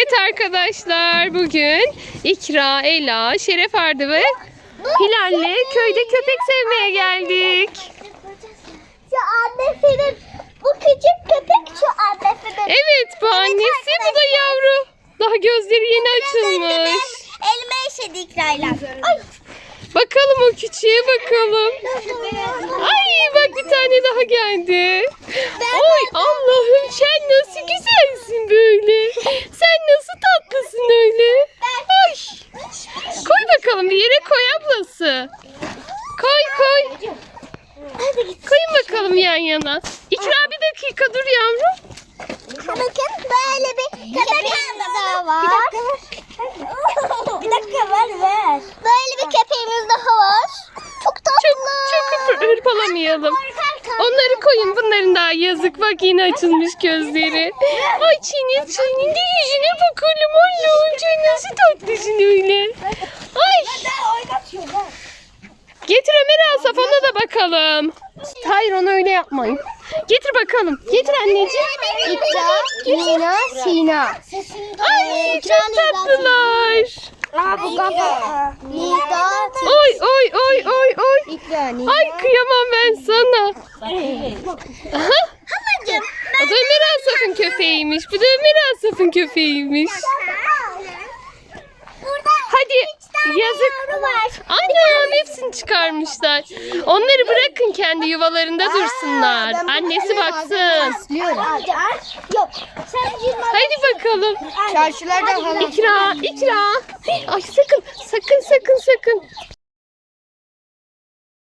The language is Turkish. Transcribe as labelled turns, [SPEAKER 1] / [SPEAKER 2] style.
[SPEAKER 1] Evet arkadaşlar, bugün İkra, Ela, Şeref Ardı ve Hilal'le köyde köpek sevmeye geldik.
[SPEAKER 2] Şu annesinin, bu küçük köpek şu annesinin.
[SPEAKER 1] Evet, bu annesi, bu da yavru. Daha gözleri yeni açılmış.
[SPEAKER 2] Elime işedi İkra'yla. Ay.
[SPEAKER 1] Bakalım o küçüğe bakalım. Ay bak, bir tane daha geldi. Oy Allah'ım, sen nasıl güzelsin böyle. Sen nasıl tatlısın öyle. Ay. Koy bakalım, bir yere koy ablası. Koy. Koyun bakalım yan yana. İkra, bir dakika dur yavrum.
[SPEAKER 2] Bakın böyle bir köpek daha var. Bir dakika ver. Böyle bir köpeğimiz daha var. Çok tatlı.
[SPEAKER 1] Çok hırpalamayalım. Onları koyun, bunların daha yazık. Bak, yine açılmış gözleri. Ay senin de yüzüne bakalım. Allah'ım, sen nasıl tatlısın öyle. Ay. Getir Ömer Asaf, ona da bakalım. Hayır, onu öyle yapmayın. Getir bakalım. Getir anneciğim.
[SPEAKER 2] İkra, Nina, Sina.
[SPEAKER 1] Ay çok tatlılar.
[SPEAKER 2] Bu kafa. Nida,
[SPEAKER 1] Oy.
[SPEAKER 2] İkra, Nina.
[SPEAKER 1] Ay kıyamam ben sana.
[SPEAKER 2] Halacığım.
[SPEAKER 1] O da Ömer Asaf'ın köpeğiymiş. Bu da Ömer Asaf'ın köpeğiymiş.
[SPEAKER 2] Burada
[SPEAKER 1] Hadi yazık.
[SPEAKER 2] var.
[SPEAKER 1] Anam, hepsini çıkarmışlar. Onları bırakın kendi yuvalarında dursunlar. Annesi baksın.
[SPEAKER 2] Yok. Sen
[SPEAKER 1] Hadi bakalım.
[SPEAKER 2] çarşılarda
[SPEAKER 1] İkra. Ay sakın.